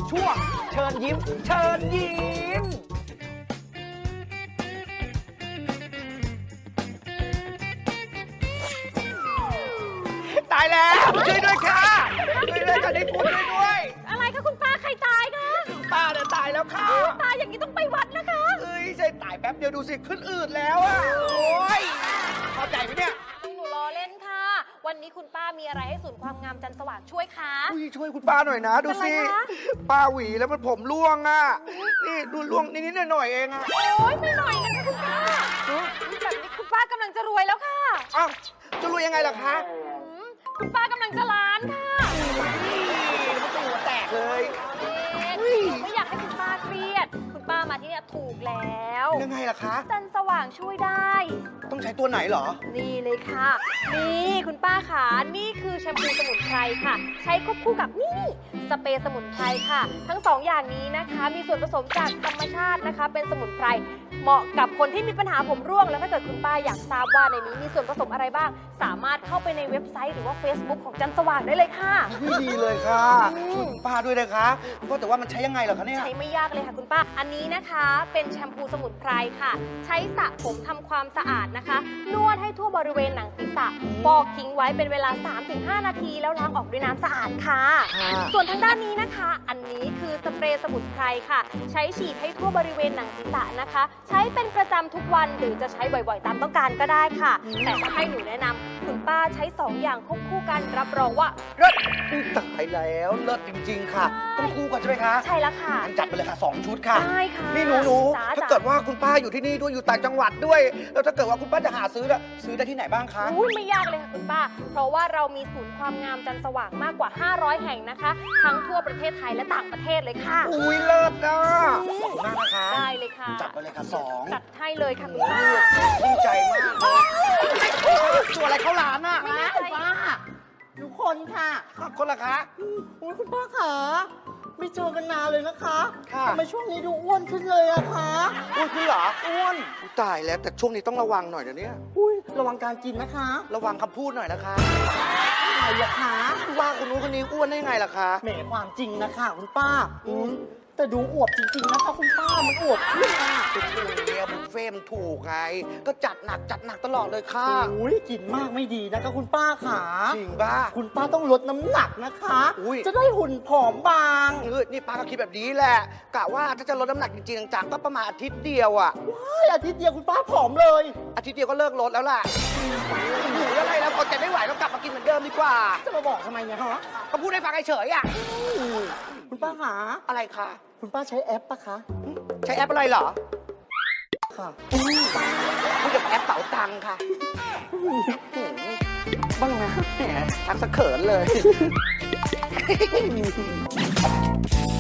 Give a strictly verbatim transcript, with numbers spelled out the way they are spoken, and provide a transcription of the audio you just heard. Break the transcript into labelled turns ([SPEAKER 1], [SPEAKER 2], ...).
[SPEAKER 1] ช่วงเชิญยิ้มเชิญยิ้มตายแล้วช่วยด้วยค่ะช่วยด้วยค่ะได้พูดช่วยด้วย
[SPEAKER 2] อะไรคะคุณป้าใครตายคะ
[SPEAKER 1] ป้าเนี่ยตายแล้วค่ะ
[SPEAKER 2] ตายอย่างนี้ต้องไปวัดนะคะ
[SPEAKER 1] เอ้ยใช่ตายแป๊บเดียวดูสิขึ้นอืดแล้วอ่ะโอ้ยเข้าใจไหมเนี่ย
[SPEAKER 2] หนูล้อเล่นค่ะ วันนี้คุณป้ามีอะไรให้ศูนย์ความงามจันทร์สว่างช่วยคะ
[SPEAKER 1] อุ้ยช่วยคุณป้าหน่อยนะดูสิ
[SPEAKER 2] เป็นไรคะ
[SPEAKER 1] ป้าหวีแล้วมันผมร่วงอ่ะนี่ดูร่วงนิดๆหน่อยๆเองอ่ะ
[SPEAKER 2] โอ๊ยไม่หน่อยนะคะคุณป้าแบบนี้คุณป้ากำลังจะรวยแล้วค่ะ
[SPEAKER 1] อ้าวจะรู้ยังไงล่ะคะ
[SPEAKER 2] อืมคุณป้ากำลังจะล้านค่ะ
[SPEAKER 1] นี่มันตัวแตกเลย
[SPEAKER 2] เอ๊ะ
[SPEAKER 1] อุ้ย
[SPEAKER 2] ไม่อยากให้คุณป้าเครียด คุณป้ามาที่เนี่ยถูกแล้ว
[SPEAKER 1] ยังไงล่ะคะ
[SPEAKER 2] จันทร์สว่างช่วยได้
[SPEAKER 1] ต้องใช้ตัวไหนเหรอ
[SPEAKER 2] นี่เลยค่ะ นี่คุณป้าขานี่คือแชมพูสมุนไพรค่ะ ใช้ควบคู่กับนี่สเปรย์สมุนไพรค่ะ ทั้งสองอย่างนี้นะคะ มีส่วนผสมจากธรรมชาตินะคะ เป็นสมุนไพรเหมาะกับคนที่มีปัญหาผมร่วง แล้วถ้าเกิดคุณป้าอยากทราบว่าในนี้มีส่วนผสมอะไรบ้าง สามารถเข้าไปในเว็บไซต์หรือว่า Facebook ของจันทร์สว่างได้เลยค่ะ
[SPEAKER 1] ไม่ดีเลยค่ะ
[SPEAKER 2] อืม
[SPEAKER 1] ช่วยคุณป้าด้วยนะคะก็แต่ว่ามันใช้ยังไงเหรอคะเนี่ย
[SPEAKER 2] ใช้ไม่ยากเลยค่ะคุณป้า อันนี้นะคะเป็นแชมพูสมุนไพรค่ะ ใช้สระผมทำความสะอาดนะคะ นวดให้ทั่วบริเวณหนังศีรษะฟอกทิ้งไว้เป็นเวลา สามถึงห้า นาที แล้วล้างออกด้วยน้ำสะอาดค่ะ
[SPEAKER 1] ค่ะ
[SPEAKER 2] ส่วนทางด้านนี้นะคะ อันนี้คือสเปรย์สมุนไพรค่ะ ใช้ฉีดให้ทั่วบริเวณหนังศีรษะนะคะ ใช้เป็นประจำทุกวันหรือจะใช้บ่อยๆ ตามต้องการก็ได้ค่ะ แต่ถ้าให้หนูแนะนำคุณป้าใช้สองอย่างควบคู่กันรับรองว่าเลิศ
[SPEAKER 1] อุ๊ยตายแล้วเลิศจริง ๆ ค่ะ ต้องคู่กันใช่ไหมคะ
[SPEAKER 2] ใช่แล้วค่ะ
[SPEAKER 1] งั้นจัดไปเลยค่ะสองชุดค่ะ
[SPEAKER 2] ได้ค่ะ
[SPEAKER 1] นี่หนูหนู
[SPEAKER 2] จ๋า
[SPEAKER 1] ถ้า
[SPEAKER 2] จ๋า
[SPEAKER 1] เกิดว่าคุณป้าอยู่ที่นี่ด้วยอยู่ต่างจังหวัดด้วย แล้วถ้าเกิดว่าคุณป้าจะหาซื้อน่ะซื้อได้ที่ไหนบ้างคะ
[SPEAKER 2] อุ้ยไม่ยากเลยค่ะคุณป้า เพราะว่าเรามีศูนย์ความงามจันทร์สว่างมากกว่า ห้าร้อย แห่งนะคะ ทั้งทั่วประเทศไทยและต่างประเทศเลยค่ะ
[SPEAKER 1] อุ้ยเลิศนะขอบคุณมากนะคะ
[SPEAKER 2] ได้เลยค่ะ
[SPEAKER 1] จัดไปเลยค่ะสอง
[SPEAKER 2] จัดให้เลยค่ะคุณป้า
[SPEAKER 1] ดีใจมากตัวอะไรเข้าร้านอ่ะ
[SPEAKER 2] ไม่ได้
[SPEAKER 3] ป้าทุกคนค่ะ
[SPEAKER 1] คนละคะ
[SPEAKER 3] อุ้ยคุณป้าขาไม่เจอกันนานเลยนะคะ
[SPEAKER 1] ค่ะ
[SPEAKER 3] ทำไมช่วงนี้ดูอ้วนขึ้นเลยอะคะ
[SPEAKER 1] อ้วนขึ้นเหรออ้วนอุ๊ยตายแล้วแต่ช่วงนี้ต้องระวังหน่อยเดี๋ยวนี้
[SPEAKER 3] อุ้ยระวังการกินนะคะ
[SPEAKER 1] ระวังคำพูดหน่อยนะคะ
[SPEAKER 3] อะไรอะคะ
[SPEAKER 1] ว่าคนนู้นคนนี้อ้วนได้ไงล่ะคะ
[SPEAKER 3] แหมความจริงนะคะคุณป้าอืมแต่ดูอวบจริงๆนะคะคุณป้ามันอวบขึ้นอะ
[SPEAKER 1] ก็ช่วงนี้บุฟเฟ่ต์มันถูกไง ก็จัดหนักจัดหนักตลอดเลยค่ะ
[SPEAKER 3] อุ้ยกินมากไม่ดีนะคะคุณป้าขา
[SPEAKER 1] จริงป่ะ
[SPEAKER 3] คุณป้าต้องลดน้ำหนักนะคะ
[SPEAKER 1] อุ๊ย
[SPEAKER 3] จะได้หุ่นผอมบาง
[SPEAKER 1] เออนี่ป้าก็คิดแบบนี้แหละ กะว่าถ้าจะลดน้ำหนักจริงๆจังๆก็ประมาณอาทิตย์เดียวอะ
[SPEAKER 3] เฮ้ยอาทิตย์เดียวคุณป้าผอมเลย
[SPEAKER 1] อาทิตย์เดียวก็เลิกลดแล้วล่ะหิวอะไรแล้วพอใจไม่ไหวแล้วกลับมากินเหมือนเดิมดีกว่า
[SPEAKER 3] จะมาบอกทำไมเนี่ยฮะ
[SPEAKER 1] ก็พูดให้ฟังเฉยๆอะ
[SPEAKER 3] คุณป้าขา
[SPEAKER 1] อะไรคะ
[SPEAKER 3] คุณป้าใช้แอปปะคะ
[SPEAKER 1] ใช้แอปอะไรเหรอ
[SPEAKER 3] ค่ะ
[SPEAKER 1] พูดกับแอปเป๋าตังค่ะบ้างนะแหมทักสะเขินเลย